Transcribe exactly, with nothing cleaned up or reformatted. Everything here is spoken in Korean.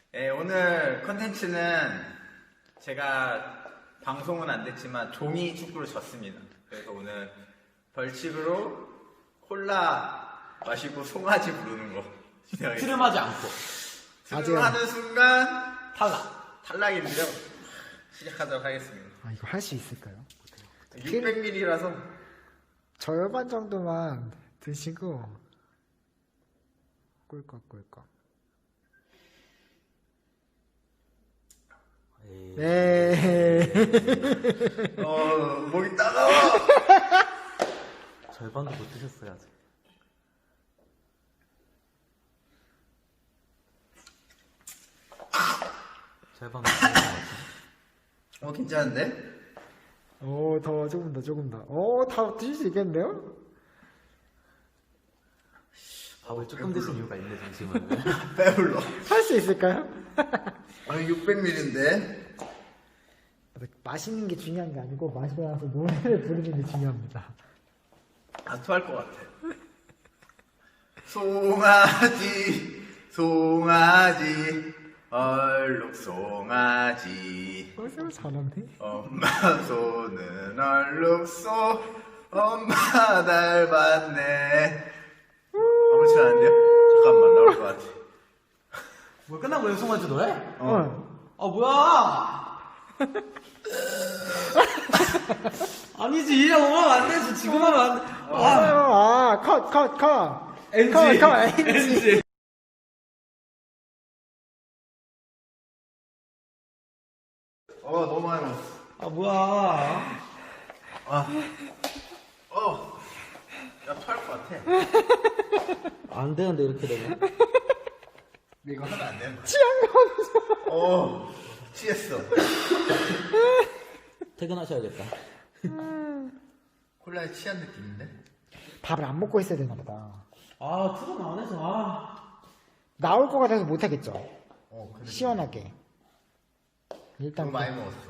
네, 오늘 컨텐츠는 제가 방송은 안 됐지만 종이 축구를 졌습니다. 그래서 오늘 벌칙으로 콜라 마시고 송아지 부르는 거 진행하겠습니다. 트름하지 않고 트름하는 순간 탈락. 탈락인데요. 시작하도록 하겠습니다. 아, 이거 할 수 있을까요? 육백 밀리리터라서 절반 정도만 드시고 꿀꺽꿀꺽. 네. 어 목이 따가워. 절반도 못 드셨어요 아직. 절반 못 드신 것 같아요. 어 괜찮은데? 오, 더 조금 더 조금 더. 오, 다 드실 수 있겠는데요? 밥을 조금 드신 이유가 있네 잠시만요. 배불러. 할 수 있을까요? 아 육백 밀리리터인데 맛있는 게 중요한 게 아니고 마시고 나서 노래를 부르는 게 중요합니다. 아 토할 것 같아. 송아지 송아지 얼룩 송아지 어, 쌤 잘하네. 엄마 손은 얼룩소 엄마 닮았네. 아무렇지 않은데요? 잠깐만 나올 것 같아. 뭐 끝난 거예요 송아지 노래? 어. 아 뭐야? 아니지 이러면 안 되지 지금 하면 안 돼. 아, 아, 컷, 컷, 컷. 엔지. 컷, 컷, 엔지. 엔지. 어 너무 많이 먹었어. 아 뭐야? 아, 어, 야 토할 것 같아. 안 되는데 이렇게 되면. 이거 하면 안 되는 거야. 취한 거 없어. 어, 취했어. 퇴근하셔야겠다. 콜라에 취한 느낌인데? 밥을 안 먹고 있어야 되나 보다. 아 투정 안 해서 아. 나올 것 같아서 못하겠죠. 어, 그래. 시원하게. 너무 일단 많이 먹었어.